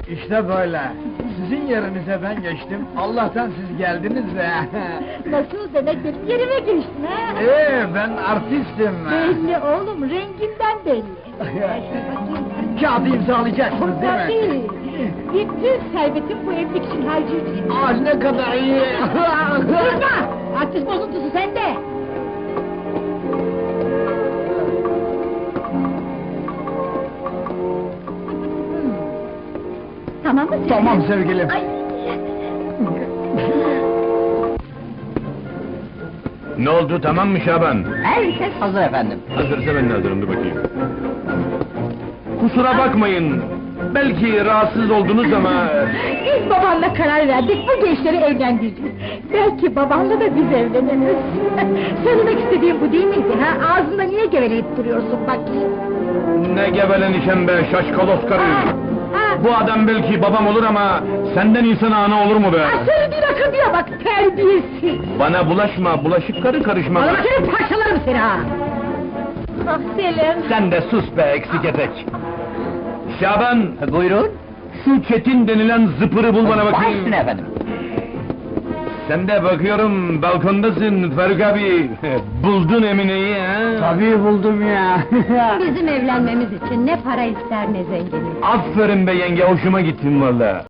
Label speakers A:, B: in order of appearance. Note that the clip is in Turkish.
A: İşte böyle. Sizin yerinize ben geçtim. Allah'tan siz geldiniz de.
B: Nasıl demek benim yerime geçtin ha?
A: Ben artistim.
B: Belli oğlum, renginden belli.
A: Kağıdı imzalayacaksınız değil mi?
B: Tabii. Bütün servetim bu evlilik için harcayacağım.
A: Ah ne kadar iyi.
B: Kızma! Artist bozuntusu sende! Tamam mı?
A: Tamam sevgilim.
B: Ay.
C: Ne oldu, tamam mı Şaban?
B: Herkes hazır efendim.
C: Hazırsa ben de hazırım, dur bakayım. Kusura bakmayın, belki rahatsız oldunuz ama...
B: Biz babanla karar verdik, bu gençleri evlendireceğiz. Belki babanla da biz evleniriz. Söylemek istediğim bu değil miydi ha? Ağzında niye geveleyip duruyorsun bakayım?
C: Ne gevelenişen be, şaşkalos karı!
B: Ha?
C: Bu adam belki babam olur ama senden insan ana olur mu be?
B: Ha, söylediğin akıllıya bak, terbiyesiz!
C: Bana bulaşma, bulaşık karı karışma.
B: Bana bakayım, parçalarım seni ha! Ah Selim!
C: Sen de sus be, eksik etek! Şaban,
D: Buyurun.
C: şu Çetin denilen zıpırı bul bana bakayım.
D: Başüstüne efendim.
C: Sen de bakıyorum, balkondasın Faruk abi. Buldun Emine'yi ha?
A: Tabii buldum ya.
B: Bizim evlenmemiz için ne para ister ne zenginlik.
C: Aferin be yenge, hoşuma gittin valla.